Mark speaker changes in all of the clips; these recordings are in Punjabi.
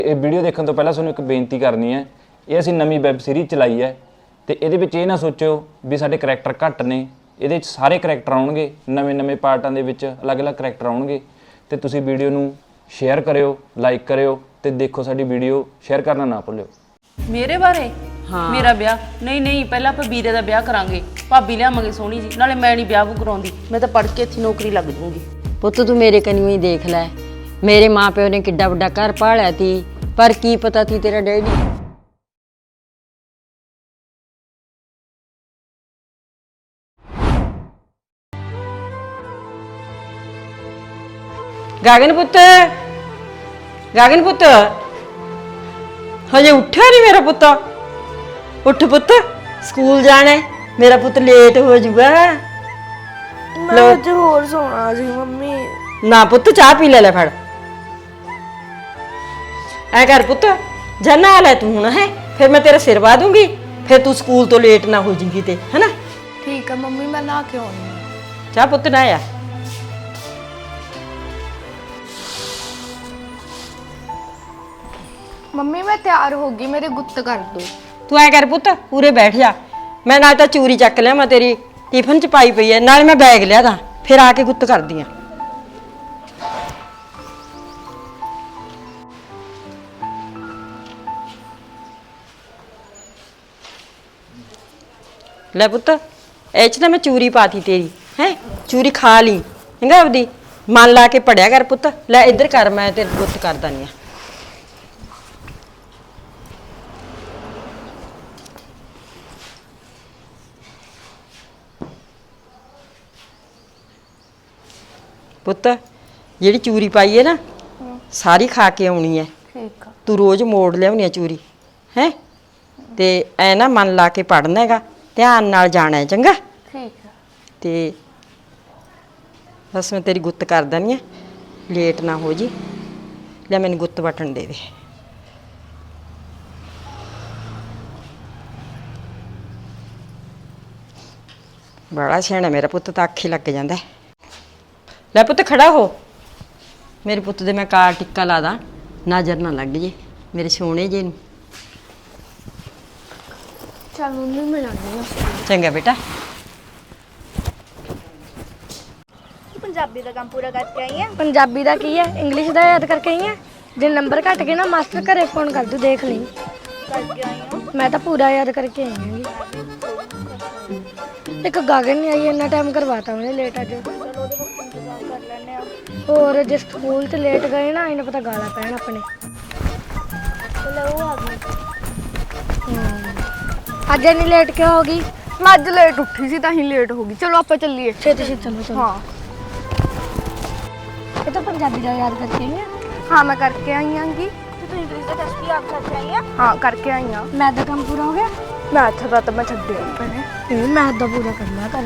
Speaker 1: ਇਹ ਵੀਡੀਓ ਦੇਖਣ ਤੋਂ ਪਹਿਲਾਂ ਤੁਹਾਨੂੰ ਇੱਕ ਬੇਨਤੀ ਕਰਨੀ ਹੈ, ਇਹ ਅਸੀਂ ਨਵੀਂ ਵੈਬ ਸੀਰੀਜ਼ ਚਲਾਈ ਹੈ ਤੇ ਇਹਦੇ ਵਿੱਚ ਇਹ ਨਾ ਸੋਚਿਓ ਵੀ ਸਾਡੇ ਕਰੈਕਟਰ ਘੱਟ ਨੇ। ਇਹਦੇ ਵਿੱਚ ਸਾਰੇ ਕਰੈਕਟਰ ਆਉਣਗੇ, ਨਵੇਂ ਪਾਰਟਾਂ ਦੇ ਵਿੱਚ ਅਲੱਗ-ਅਲੱਗ ਕਰੈਕਟਰ ਆਉਣਗੇ ਤੇ ਤੁਸੀਂ ਵੀਡੀਓ ਨੂੰ ਸ਼ੇਅਰ ਕਰਿਓ, ਲਾਈਕ ਕਰਿਓ ਤੇ ਦੇਖੋ ਸਾਡੀ ਵੀਡੀਓ ਸ਼ੇਅਰ ਕਰਨਾ ਨਾ ਭੁੱਲਿਓ।
Speaker 2: ਮੇਰੇ ਬਾਰੇ? ਹਾਂ, ਮੇਰਾ ਵਿਆਹ ਨਹੀਂ ਪਹਿਲਾਂ ਆਪਾਂ ਵੀਰੇ ਦਾ ਵਿਆਹ ਕਰਾਂਗੇ, ਭਾਬੀ ਲਿਆਵਾਂਗੇ ਸੋਹਣੀ ਜੀ, ਨਾਲੇ ਮੈਂ ਨਹੀਂ ਵਿਆਹ ਕਰਾਉਂਦੀ, ਮੈਂ ਤਾਂ ਪੜ੍ਹ ਕੇ ਇੱਥੇ ਨੌਕਰੀ ਲੱਗ ਜੂੰਗੀ।
Speaker 3: ਪੁੱਤ ਤੂੰ ਮੇਰੇ ਕਨੀਓ ਹੀ ਦੇਖ ਲੈ, ਮੇਰੇ ਮਾਪਿਓ ਨੇ ਕਿੱਡਾ ਵੱਡਾ ਘਰ ਪਾਲਿਆ ਤੀ, ਪਰ ਕੀ ਪਤਾ ਤੀ ਤੇਰਾ ਡੈਡੀ ਗਗਨ ਪੁੱਤ ਹਜੇ ਉੱਠਿਆ ਨਹੀਂ ਮੇਰਾ ਪੁੱਤ। ਉੱਠ ਪੁੱਤ, ਸਕੂਲ ਜਾਣਾ, ਮੇਰਾ ਪੁੱਤ ਲੇਟ ਹੋ ਜਾਊਗਾ।
Speaker 4: ਮੈਂ ਅੱਜ ਹੋਰ ਸੋਣਾ ਸੀ ਮੰਮੀ।
Speaker 3: ਨਾ ਪੁੱਤ, ਚਾਹ ਪੀ ਲੈ ਫੜ। ਐ ਕਰ ਪੁੱਤ, ਜਾ ਨਹਾ ਲੈ ਤੂੰ ਹੁਣ, ਹੈ ਫਿਰ ਮੈਂ ਤੇਰਾ ਸਿਰ ਵਾ ਦੂੰਗੀ, ਫਿਰ ਤੂੰ ਸਕੂਲ ਤੋਂ ਲੇਟ ਨਾ ਹੋ ਜਾਏਗੀ ਤੇ, ਹੈਨਾ?
Speaker 4: ਠੀਕ ਹੈ ਮੰਮੀ, ਮੈਂ ਨਹਾ ਕੇ ਆਉਂਦੀ ਹਾਂ।
Speaker 3: ਚਾਹ ਪੁੱਤ ਨਹਾਇਆ।
Speaker 4: ਮੰਮੀ ਮੈਂ ਤਿਆਰ ਹੋ ਗਈ, ਮੇਰੇ ਗੁੱਤ ਕਰ ਦੋ।
Speaker 3: ਤੂੰ ਐ ਕਰ ਪੁੱਤ, ਪੂਰੇ ਬੈਠ ਜਾ, ਮੈਂ ਨਾਲ ਤਾਂ ਚੂਰੀ ਚੱਕ ਲਿਆ, ਮੈਂ ਤੇਰੀ ਟਿਫਨ ਚ ਪਾਈ ਪਈ ਐ, ਨਾਲੇ ਮੈਂ ਬੈਗ ਲਿਆ ਤਾਂ ਫਿਰ ਆ ਕੇ ਗੁੱਤ ਕਰਦੀ ਆ। ਲੈ ਪੁੱਤ, ਇਹ ਚ ਨਾ ਮੈਂ ਚੂਰੀ ਪਾਤੀ ਤੇਰੀ, ਹੈ ਚੂਰੀ ਖਾ ਲਈ, ਚੰਗਾ? ਆਪਦੀ ਮਨ ਲਾ ਕੇ ਪੜਿਆ ਕਰ ਪੁੱਤ। ਲੈ ਇੱਧਰ ਕਰ, ਮੈਂ ਤੇਰੇ ਗੁੱਤ ਕਰ ਦਨੀ ਆ। ਪੁੱਤ ਜਿਹੜੀ ਚੂਰੀ ਪਾਈ ਹੈ ਨਾ, ਸਾਰੀ ਖਾ ਕੇ ਆਉਣੀ ਹੈ।
Speaker 4: ਠੀਕ ਆ।
Speaker 3: ਤੂੰ ਰੋਜ਼ ਮੋੜ ਲਿਆਉਣੀ ਹੈ ਚੂਰੀ, ਹੈ ਤੇ ਐ ਨਾ ਮਨ ਲਾ ਕੇ ਪੜਨਾ ਹੈਗਾ, ਧਿਆਨ ਨਾਲ ਜਾਣਾ ਹੈ, ਚੰਗਾ?
Speaker 4: ਠੀਕ ਆ।
Speaker 3: ਤੇ ਬਸ ਮੈਂ ਤੇਰੀ ਗੁੱਤ ਕਰ ਦਨੀ ਹੈ, ਲੇਟ ਨਾ ਹੋ ਜੀ। ਲੈ ਮੈਨੂੰ ਗੁੱਤ ਬਟਨ ਦੇ ਦੇ। ਬੜਾ ਸਿਆਣਾ ਮੇਰਾ ਪੁੱਤ, ਤਾਂ ਅੱਖੇ ਲੱਗ ਜਾਂਦਾ। ਲੈ ਪੁੱਤ ਖੜਾ ਹੋ, ਮੇਰੇ ਪੁੱਤ ਦੇ ਮੈਂ ਕਾਰ ਟਿੱਕਾ ਲਾ ਦਾਂ, ਨਜ਼ਰ ਨਾ ਲੱਗ ਜੇ ਮੇਰੇ ਸੋਹਣੇ ਜੇ ਨੂੰ।
Speaker 4: ਚੱਲ ਮੰਮੀ ਮੈਂ ਜਾਂਦੀ ਹਾਂ।
Speaker 3: ਚੰਗਾ ਬੇਟਾ।
Speaker 4: ਪੰਜਾਬੀ ਦਾ ਕੰਮ ਪੂਰਾ ਕਰਕੇ ਆਈ ਹੈ? ਪੰਜਾਬੀ ਦਾ ਕੀ ਹੈ, ਇੰਗਲਿਸ਼ ਦਾ ਯਾਦ ਕਰਕੇ ਆਈ ਹੈ? ਜੇ ਨੰਬਰ ਘਟ ਗਏ ਨਾ, ਮਾਸਟਰ ਘਰੇ ਫੋਨ ਕਰ ਦੂ, ਦੇਖ ਲਈ। ਕਰਕੇ ਆਈ ਹਾਂ ਮੈਂ ਤਾਂ ਪੂਰਾ ਯਾਦ ਕਰਕੇ ਆਈ ਹਾਂ। ਇੱਕ ਗਗਨ ਨਹੀਂ ਆਈ, ਇੰਨਾ ਟਾਈਮ ਕਰਵਾਤਾ ਉਹਨੇ ਲੇਟ ਅੱਜ। ਚਲੋ ਉਹਦੇ ਵਾਸਤੇ ਇੰਤਜ਼ਾਰ ਕਰ ਲੈਣੇ ਆ। ਹੋਰ ਜੇ ਸਕੂਲ 'ਚ ਲੇਟ ਗਏ ਨਾ, ਇਹਨੂੰ ਪਤਾ ਗਾਲਾਂ ਪੈਣ ਆਪਣੇ। ਚਲੋ ਉਹ ਆ ਗਈ। ਅੱਜ ਇੰਨੀ ਲੇਟ ਕਿਉਂ ਹੋ ਗਈ? ਮੈਂ ਅੱਜ ਲੇਟ ਉੱਠੀ ਸੀ ਤਾਂ ਹੀ ਲੇਟ ਹੋ ਗਈ। ਚਲੋ ਆਪਾਂ ਚੱਲੀਏ। ਛੇਤੀ ਚਲੋ। ਹਾਂ, ਇਹ ਤਾਂ ਪੰਜਾਬੀ ਦਾ ਯਾਦ ਕਰਕੇ ਆਈ ਆ? ਹਾਂ ਮੈਂ ਕਰਕੇ ਆਈ ਆਂਗੀ। ਤੇ ਤੂੰ ਇੰਗਲਿਸ਼ ਦਾ ਟੈਸਟ ਵੀ ਯਾਦ ਕਰਕੇ ਆਈ ਆ? ਹਾਂ ਕਰਕੇ ਆਈ ਆ। ਮੈਥ ਦਾ ਕੰਮ ਪੂਰਾ ਹੋ ਗਿਆ? ਮੈਥ ਦਾ ਤਾਂ ਮੈਂ ਛੱਡਿਆ ਪਹਿਲੇ। ਇਹ ਮੈਥ ਦਾ ਪੂਰਾ ਕਰਨਾ ਕਰ।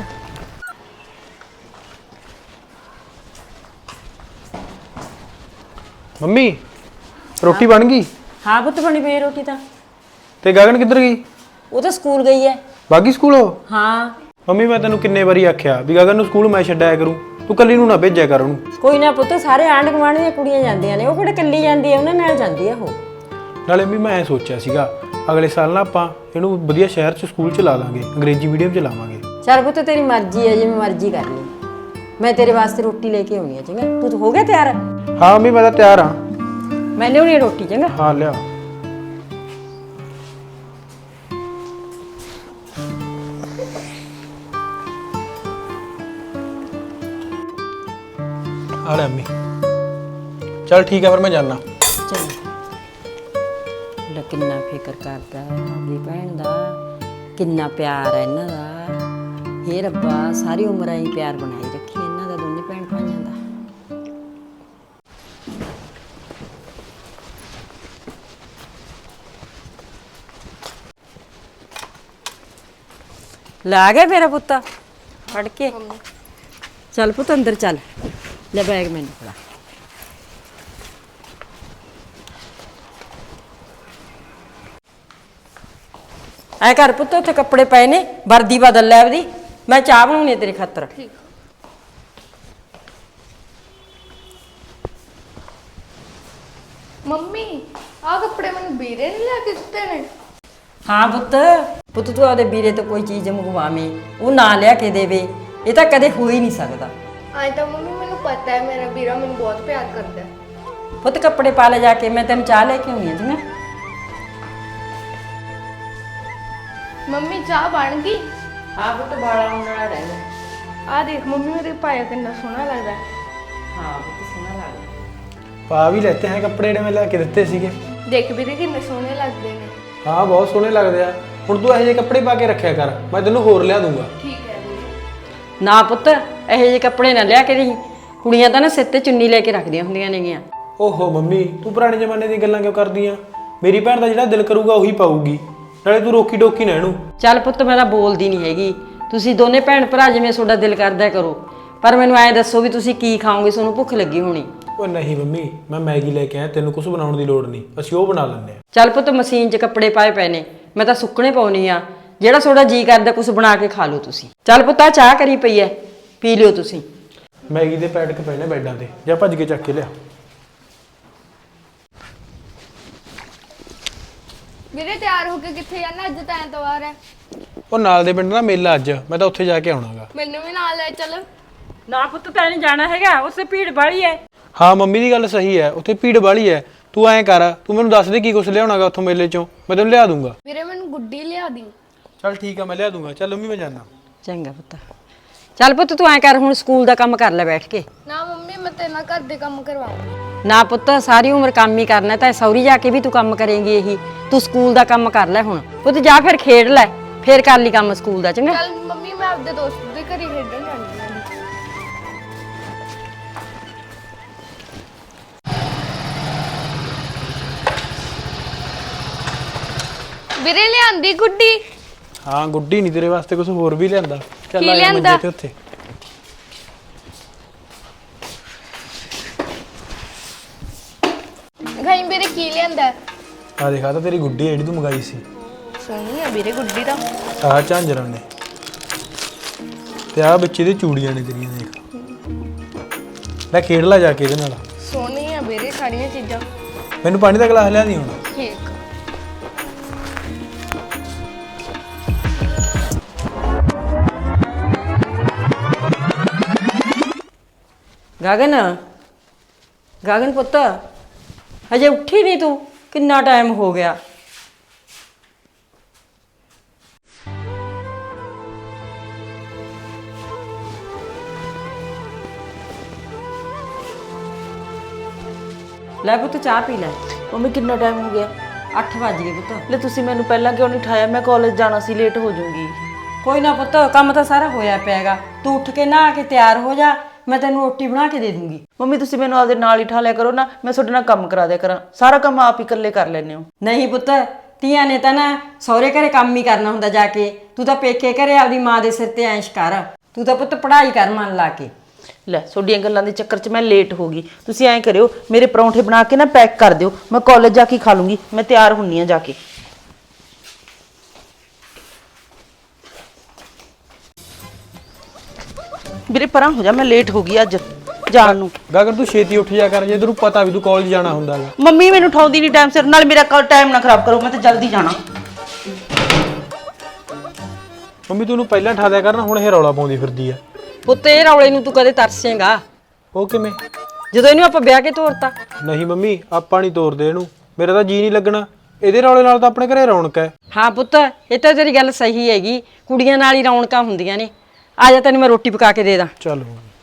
Speaker 5: ਮੰਮੀ ਰੋਟੀ ਬਣ ਗਈ?
Speaker 3: ਹਾਂ ਪੁੱਤ ਬਣੀ ਪਈ ਰੋਟੀ ਤਾਂ।
Speaker 5: ਤੇ ਗਗਨ ਕਿੱਧਰ ਗਈ?
Speaker 3: ਉਹ ਤਾਂ ਸਕੂਲ ਗਈ ਹੈ।
Speaker 5: ਬਾਗੀ ਸਕੂਲ ਉਹ?
Speaker 3: ਹਾਂ।
Speaker 5: ਮੰਮੀ ਮੈਂ ਤੈਨੂੰ ਕਿੰਨੇ ਵਾਰੀ ਆਖਿਆ ਵੀ ਗਗਨ ਨੂੰ ਸਕੂਲ ਮੈਂ ਛੱਡਾਇਆ ਕਰੂੰ, ਤੂੰ ਕੱਲੀ ਨੂੰ ਨਾ ਭੇਜਿਆ ਕਰ ਉਹਨੂੰ।
Speaker 3: ਕੋਈ ਨਾ ਪੁੱਤ, ਸਾਰੇ ਆਂਢ ਗੁਆਂਢ ਦੀਆਂ ਕੁੜੀਆਂ ਜਾਂਦੀਆਂ ਨੇ, ਉਹ ਕਿਹੜਾ ਕੱਲੀ ਜਾਂਦੀ ਹੈ, ਉਹਨਾਂ ਨਾਲ ਜਾਂਦੀ ਹੈ ਉਹ।
Speaker 5: ਨਾਲੇ ਵੀ ਮੈਂ ਸੋਚਿਆ ਸੀਗਾ ਅਗਲੇ ਸਾਲ ਨਾ ਆਪਾਂ ਇਹਨੂੰ ਵਧੀਆ ਸ਼ਹਿਰ 'ਚ ਸਕੂਲ 'ਚ ਲਾ ਦਾਂਗੇ, ਅੰਗਰੇਜ਼ੀ ਮੀਡੀਅਮ 'ਚ ਲਾਵਾਂਗੇ।
Speaker 3: ਚੱਲ ਪੁੱਤ ਤੇਰੀ ਮਰਜ਼ੀ ਹੈ, ਜਿਵੇਂ ਮਰਜ਼ੀ ਕਰ ਲਈ। ਮੈਂ ਤੇਰੇ ਵਾਸਤੇ ਰੋਟੀ ਲੈ ਕੇ ਆਉਣੀ ਹੈ, ਚੰਗਾ? ਤੂੰ ਹੋ ਗਿਆ ਤਿਆਰ?
Speaker 5: ਹਾਂ ਮੰਮੀ ਮੈਂ ਤਾਂ ਤਿਆਰ ਹਾਂ।
Speaker 3: ਮੈਂ ਲਿਆਉਣੀ ਰੋਟੀ, ਚੰਗਾ?
Speaker 5: ਹਾਂ ਲਿਆ। ਆ ਲੈ ਮੰਮੀ। ਚੱਲ ਠੀਕ ਹੈ ਫਿਰ ਮੈਂ ਜਾਣਾ।
Speaker 3: ਚੰਗਾ। ਲੈ ਕਿੰਨਾ ਫਿਕਰ ਕਰਦਾ ਆਪਣੀ ਭੈਣ ਦਾ, ਕਿੰਨਾ ਪਿਆਰ ਹੈ ਇਹਨਾਂ ਦਾ। ਹੇ ਰੱਬਾ, ਸਾਰੀ ਉਮਰ ਹੀ ਪਿਆਰ ਬਣਾਈ ਰੱਖੀ ਇਹਨਾਂ ਦਾ, ਦੋਨੇ ਭੈਣ ਭਾਈਆਂ ਦਾ। ਲਾ ਗਿਆ ਮੇਰਾ ਪੁੱਤ ਫੜ ਕੇ। ਚੱਲ ਪੁੱਤ ਅੰਦਰ ਚੱਲ, ਲੈ ਬੈਗ ਮੈਨੂੰ ਫੜਾ। ਐ ਕਰ ਪੁੱਤ, ਉੱਥੇ ਕੱਪੜੇ ਪਏ ਨੇ, ਵਰਦੀ ਬਦਲ ਲੈ ਆਪਦੀ, ਮੈਂ ਚਾਹ ਬਣਾਉਣੀ ਹੈ ਤੇਰੀ ਖਾਤਰ।
Speaker 4: ਮੰਮੀ ਆਹ ਕੱਪੜੇ ਮੈਨੂੰ ਵੀਰੇ ਨੇ ਲਿਆ ਕੇ ਦਿੱਤੇ ਨੇ।
Speaker 3: ਹਾਂ ਪੁੱਤ ਤੂੰ ਆਪਦੇ ਵੀਰੇ ਤੋਂ ਕੋਈ ਚੀਜ਼ ਮੰਗਵਾਵੇਂ ਉਹ ਨਾ ਲਿਆ ਕੇ ਦੇਵੇ, ਇਹ ਤਾਂ ਕਦੇ ਹੋ ਹੀ ਨਹੀਂ ਸਕਦਾ।
Speaker 4: ਅੱਜ ਤਾਂ ਮੰਮੀ ਮੈਨੂੰ ਪਤਾ ਹੈ ਮੇਰਾ ਵੀਰਾ ਮੈਨੂੰ ਬਹੁਤ ਪਿਆਰ ਕਰਦਾ ਹੈ।
Speaker 3: ਪੁੱਤ ਕੱਪੜੇ ਪਾ ਲੈ ਜਾ ਕੇ, ਮੈਂ ਤੈਨੂੰ ਚਾਹ ਲੈ ਕੇ ਆਉਣੀ ਆ ਜੀ।
Speaker 4: ਮੰਮੀ ਚਾਹ ਬਣ ਗਈ?
Speaker 3: ਹਾਂ ਪੁੱਤ ਬਾਲਾ ਹੋਣ ਵਾਲਾ ਰਹਿੰਦਾ।
Speaker 4: ਆਹ ਦੇਖ ਮੰਮੀ ਮੇਰੇ ਪਾਇਆ ਕਿੰਨਾ ਸੋਹਣਾ ਲੱਗਦਾ ਹੈ।
Speaker 3: ਹਾਂ ਪੁੱਤ ਸੋਹਣਾ ਲੱਗਦਾ।
Speaker 5: ਪਾ ਵੀ ਲੈਤੇ ਹੈ ਕੱਪੜੇ ਜਿਹੜੇ ਮੈਂ ਲੈ ਕੇ ਦਿੱਤੇ ਸੀਗੇ।
Speaker 4: ਦੇਖ ਵੀਰੇ ਕਿੰਨੇ ਸੋਹਣੇ ਲੱਗਦੇ ਨੇ।
Speaker 5: ਹਾਂ ਬਹੁਤ ਸੋਹਣੇ ਲੱਗਦੇ ਆ। ਹੁਣ ਤੂੰ ਇਹੋ ਜਿਹੇ ਕੱਪੜੇ ਪਾ ਕੇ ਰੱਖਿਆ ਕਰ, ਮੈਂ ਤੈਨੂੰ ਹੋਰ ਲਿਆ ਦੂੰਗਾ।
Speaker 4: ਠੀਕ ਹੈ ਵੀਰੇ।
Speaker 3: ਨਾ ਪੁੱਤ ਇਹੋ ਜਿਹੇ ਕੱਪੜੇ ਨਾ ਲਿਆ ਕੇ ਦੇਈਂ, ਕੁੜੀਆਂ ਤਾਂ ਨਾ ਸਿਰ ਤੇ ਚੁੰਨੀ ਲੈ ਕੇ ਰੱਖਦੀਆਂ ਹੁੰਦੀਆਂ ਨੇਗੀਆਂ।
Speaker 5: ਓਹੋ ਮੰਮੀ, ਤੂੰ ਪੁਰਾਣੇ ਜ਼ਮਾਨੇ ਦੀਆਂ ਗੱਲਾਂ ਕਿਉਂ ਕਰਦੀ ਆ? ਮੇਰੀ ਭੈਣ ਦਾ ਜਿਹੜਾ ਦਿਲ ਕਰੂਗਾ ਉਹੀ ਪਾਊਗੀ, ਨਾਲੇ ਤੂੰ ਰੋਕੀ ਟੋਕੀ ਨਾ ਇਹਨੂੰ।
Speaker 3: ਚੱਲ ਪੁੱਤ ਮੈਂ ਤਾਂ ਬੋਲਦੀ ਨਹੀਂ ਹੈਗੀ, ਤੁਸੀਂ ਦੋਨੇ ਭੈਣ ਭਰਾ ਜਿਵੇਂ ਤੁਹਾਡਾ ਦਿਲ ਕਰਦਾ ਕਰੋ, ਪਰ ਮੈਨੂੰ ਐਂ ਦੱਸੋ ਵੀ ਤੁਸੀਂ ਕੀ ਖਾਓਗੇ, ਤੁਹਾਨੂੰ ਭੁੱਖ ਲੱਗੀ ਹੋਣੀ।
Speaker 5: ਓ ਨਹੀਂ ਮੰਮੀ, ਮੈਂ ਮੈਗੀ ਲੈ ਕੇ ਆਇਆ, ਤੈਨੂੰ ਕੁਝ ਬਣਾਉਣ ਦੀ ਲੋੜ ਨਹੀਂ, ਅਸੀਂ ਉਹ ਬਣਾ ਲੈਂਦੇ ਆ।
Speaker 3: ਚੱਲ ਪੁੱਤ ਮਸ਼ੀਨ 'ਚ ਕੱਪੜੇ ਪਾਏ ਪਏ ਨੇ, ਮੈਂ ਤਾਂ ਸੁੱਕਣੇ ਪਾਉਣੀ ਆ, ਜਿਹੜਾ ਤੁਹਾਡਾ ਜੀ ਕਰਦਾ ਕੁਝ ਬਣਾ ਕੇ ਖਾ ਲਓ ਤੁਸੀਂ। ਚੱਲ ਪੁੱਤ ਆਹ ਚਾਹ ਕਰੀ ਪਈ ਐ, ਪੀ ਲਿਓ ਤੁਸੀਂ।
Speaker 5: ਮੈਗੀ ਦੇ ਪੈਕਟ ਪਏ ਨੇ ਬੈੱਡਾਂ ਤੇ, ਜਾਂ ਭੱਜ ਕੇ ਚੱਕ ਕੇ ਲਿਆ।
Speaker 4: ਵੀਰੇ ਤਿਆਰ ਹੋ ਕੇ ਕਿੱਥੇ ਜਾਣਾ? ਅੱਜ ਤਾਂ ਐਤਵਾਰ ਹੈ।
Speaker 5: ਉਹ ਨਾਲ ਦੇ ਪਿੰਡ ਦਾ ਮੇਲਾ ਅੱਜ, ਮੈਂ ਤਾਂ ਉੱਥੇ ਜਾ ਕੇ ਆਉਣਾਗਾ।
Speaker 4: ਮੈਨੂੰ ਵੀ ਨਾਲ ਲੈ ਚੱਲ।
Speaker 3: ਨਾ ਪੁੱਤ ਤੈਨੂੰ ਨਹੀਂ ਜਾਣਾ ਹੈਗਾ, ਉੱਥੇ ਭੀੜ ਬਾਲੀ ਐ।
Speaker 5: ਹਾਂ ਮੰਮੀ ਦੀ ਗੱਲ ਸਹੀ ਹੈ, ਉੱਥੇ ਭੀੜ ਵਾਲੀ ਹੈ। ਤੂੰ ਐਂ ਕਰ, ਤੂੰ ਮੈਨੂੰ ਦੱਸ ਦੇ ਕੀ ਕੁਝ ਲਿਆਉਣਾਗਾ ਉੱਥੋਂ ਮੇਲੇ ਚੋਂ, ਮੈਂ ਤੈਨੂੰ ਲਿਆ ਦੂੰਗਾ।
Speaker 4: ਵੀਰੇ ਮੈਨੂੰ ਗੁੱਡੀ ਲਿਆ ਦੀ।
Speaker 5: ਚੱਲ ਠੀਕ ਆ, ਮੈਂ ਲਿਆ ਦੂੰਗਾ। ਚੱਲ ਮੰਮੀ ਮੈਂ ਜਾਣਾ।
Speaker 3: ਚੰਗਾ ਪੁੱਤ। ਚੱਲ ਪੁੱਤ ਤੂੰ ਐਂ ਕਰ, ਹੁਣ ਸਕੂਲ ਦਾ ਕੰਮ ਕਰ ਲੈ ਬੈਠ ਕੇ।
Speaker 4: ਨਾ ਮੰਮੀ ਮੈਂ ਤੇਰੇ ਨਾਲ ਘਰ ਦੇ ਕੰਮ ਕਰਵਾਉਂਗੀ।
Speaker 3: ਨਾ ਪੁੱਤ ਸਾਰੀ ਉਮਰ ਕੰਮ ਹੀ ਕਰਨਾ, ਤਾਂ ਸੌਰੀ ਜਾ ਕੇ ਵੀ ਤੂੰ ਕੰਮ ਕਰੇਂਗੀ ਇਹੀ। ਤੂੰ ਸਕੂਲ ਦਾ ਕੰਮ ਕਰ ਲੈ ਹੁਣ ਪੁੱਤ, ਜਾ ਫਿਰ ਖੇਡ ਲੈ, ਫਿਰ ਕਰ ਲਈ ਕੰਮ ਸਕੂਲ ਦਾ। ਚੰਗਾ
Speaker 4: ਚੱਲ ਮੰਮੀ ਮੈਂ ਆਪਦੇ ਦੋਸਤ ਦੇ ਘਰੇ ਖੇਡਣ ਜਾਂਦੀ ਹਾਂ। ਵੀਰੇ ਲਿਆਂਦੀ ਗੁੱਡੀ।
Speaker 5: ਹਾਂ ਗੁੱਡੀ ਨਹੀਂ, ਤੇਰੇ ਵਾਸਤੇ ਕੁਝ ਹੋਰ ਵੀ ਲਿਆਂਦਾ। ਚੱਲ
Speaker 4: ਕੀ
Speaker 5: ਆ ਜਾ
Speaker 4: ਲਿਆਂਦਾ?
Speaker 5: ਮੰਜੇ ਤੇ ਉੱਥੇ।
Speaker 4: ਗਾਈ ਵੀਰੇ ਕੀ ਲਿਆਂਦਾ?
Speaker 5: ਆ ਦੇਖਾ ਤਾਂ ਤੇਰੀ ਗੁੱਡੀ ਜਿਹੜੀ ਤੂੰ ਮੰਗਾਈ ਸੀ।
Speaker 4: ਸੋਹਣੀ ਆ ਵੀਰੇ ਗੁੱਡੀ ਤਾਂ।
Speaker 5: ਆਹ ਝਾਂਜਰਾਂ ਨੇ ਤੇ ਆਹ ਬੱਚੇ ਦੇ ਚੂੜੀਆਂ ਨੇ ਤੇਰੀਆਂ, ਦੇਖ ਲੈ, ਖੇਡ ਲੈ ਜਾ ਕੇ ਇਹਦੇ ਨਾਲ।
Speaker 4: ਸੋਹਣੀ ਆ ਵੀਰੇ ਸਾਰੀਆਂ ਚੀਜ਼ਾਂ।
Speaker 5: ਮੈਨੂੰ ਪਾਣੀ ਦਾ ਗਲਾਸ ਲਿਆ ਦੀ ਹੁਣ।
Speaker 4: ਠੀਕ।
Speaker 3: ਗਗਨ ਪੁੱਤ ਹਜੇ ਉੱਠੀ ਨਹੀਂ ਤੂੰ, ਕਿੰਨਾ ਟਾਈਮ ਹੋ ਗਿਆ। ਲੈ ਪੁੱਤ ਚਾਹ ਪੀ ਲੈ।
Speaker 2: ਮੰਮੀ ਕਿੰਨਾ ਟਾਈਮ ਹੋ ਗਿਆ?
Speaker 3: 8 ਵੱਜ ਗਏ ਪੁੱਤ।
Speaker 2: ਲੈ ਤੁਸੀਂ ਮੈਨੂੰ ਪਹਿਲਾਂ ਕਿਉਂ ਨਹੀਂ ਉਠਾਇਆ? ਮੈਂ ਕਾਲਜ ਜਾਣਾ ਸੀ, ਲੇਟ ਹੋ ਜਾਊਂਗੀ।
Speaker 3: ਕੋਈ ਨਾ ਪੁੱਤ, ਕੰਮ ਤਾਂ ਸਾਰਾ ਹੋਇਆ ਪਿਆਗਾ, ਤੂੰ ਉੱਠ ਕੇ ਨਹਾ ਕੇ ਤਿਆਰ ਹੋ ਜਾ, ਮੈਂ ਤੈਨੂੰ ਰੋਟੀ ਬਣਾ ਕੇ ਦੇ ਦੂੰਗੀ।
Speaker 2: ਮੰਮੀ ਤੁਸੀਂ ਮੈਨੂੰ ਆਪਦੇ ਨਾਲ ਹੀ ਠਾ ਲਿਆ ਕਰੋ ਨਾ, ਮੈਂ ਤੁਹਾਡੇ ਨਾਲ ਕੰਮ ਕਰਾ ਦਿਆ ਕਰਾਂ, ਸਾਰਾ ਕੰਮ ਆਪ ਹੀ ਇਕੱਲੇ ਕਰ ਲੈਂਦੇ ਹੋ।
Speaker 3: ਨਹੀਂ ਪੁੱਤ, ਧੀਆਂ ਨੇ ਤਾਂ ਨਾ ਸਹੁਰੇ ਘਰੇ ਕੰਮ ਹੀ ਕਰਨਾ ਹੁੰਦਾ ਜਾ ਕੇ, ਤੂੰ ਤਾਂ ਪੇਕੇ ਘਰੇ ਆਪਦੀ ਮਾਂ ਦੇ ਸਿਰ ਤੇ ਐਸ਼ ਕਰ, ਤੂੰ ਤਾਂ ਪੁੱਤ ਪੜ੍ਹਾਈ ਕਰ ਮਨ ਲਾ ਕੇ।
Speaker 2: ਲੈ ਤੁਹਾਡੀਆਂ ਗੱਲਾਂ ਦੇ ਚੱਕਰ 'ਚ ਮੈਂ ਲੇਟ ਹੋ ਗਈ। ਤੁਸੀਂ ਐਂ ਕਰਿਓ, ਮੇਰੇ ਪਰੌਂਠੇ ਬਣਾ ਕੇ ਨਾ ਪੈਕ ਕਰ ਦਿਓ, ਮੈਂ ਕਾਲਜ ਜਾ ਕੇ ਖਾ ਲੂੰਗੀ। ਮੈਂ ਤਿਆਰ ਹੁੰਨੀ ਆ ਜਾ ਕੇ। ਵੀਰੇ ਪਰਾਂ ਹੋ ਜਾ, ਮੈਂ ਲੇਟ ਹੋ ਗਈ ਅੱਜ ਜਾਣ ਨੂੰ।
Speaker 5: ਗਗਨ ਤੂੰ ਛੇਤੀ ਉੱਠ ਜਾ ਕਰ, ਜੇ ਤੈਨੂੰ ਪਤਾ ਵੀ ਤੂੰ ਕਾਲਜ ਜਾਣਾ ਹੁੰਦਾਗਾ।
Speaker 2: ਮੰਮੀ ਮੈਨੂੰ ਉਠਾਉਂਦੀ ਨਹੀਂ ਟਾਈਮ ਸਿਰ, ਨਾਲ ਮੇਰਾ ਟਾਈਮ ਨਾ ਖਰਾਬ ਕਰੋ, ਮੈਂ ਤਾਂ ਜਲਦੀ ਜਾਣਾ।
Speaker 5: ਮੰਮੀ ਤੂੰ ਉਹਨੂੰ ਪਹਿਲਾਂ ਠਾ ਦਿਆ ਕਰ ਨਾ, ਹੁਣ ਇਹ ਰੌਲਾ ਪਾਉਂਦੀ ਫਿਰਦੀ ਆ।
Speaker 3: ਪੁੱਤ ਇਹ ਰੌਲੇ ਨੂੰ ਤੂੰ ਕਦੇ ਤਰਸੇਂਗਾ?
Speaker 5: ਉਹ ਕਿਵੇਂ?
Speaker 3: ਜਦੋਂ ਇਹਨੂੰ ਆਪਾਂ ਵਿਆਹ ਕੇ ਤੋਰਤਾ।
Speaker 5: ਨਹੀਂ ਮੰਮੀ, ਆਪਾਂ ਨਹੀਂ ਤੋਰਦੇ ਇਹਨੂੰ, ਮੇਰਾ ਤਾਂ ਜੀ ਨਹੀਂ ਲੱਗਣਾ ਇਹਦੇ ਰੌਲੇ ਨਾਲ, ਤਾਂ ਆਪਣੇ ਘਰੇ ਰੌਣਕ ਹੈ।
Speaker 3: ਹਾਂ ਪੁੱਤ ਇਹ ਤਾਂ ਤੇਰੀ ਗੱਲ ਸਹੀ ਹੈਗੀ, ਕੁੜੀਆਂ ਨਾਲ ਹੀ ਰੌਣਕਾਂ ਹੁੰਦੀਆਂ ਨੇ। ਆ ਜਾ ਤੈਨੂੰ ਮੈਂ ਰੋਟੀ ਪਕਾ ਕੇ ਦੇ ਦਾਂ।
Speaker 5: ਚਲੋ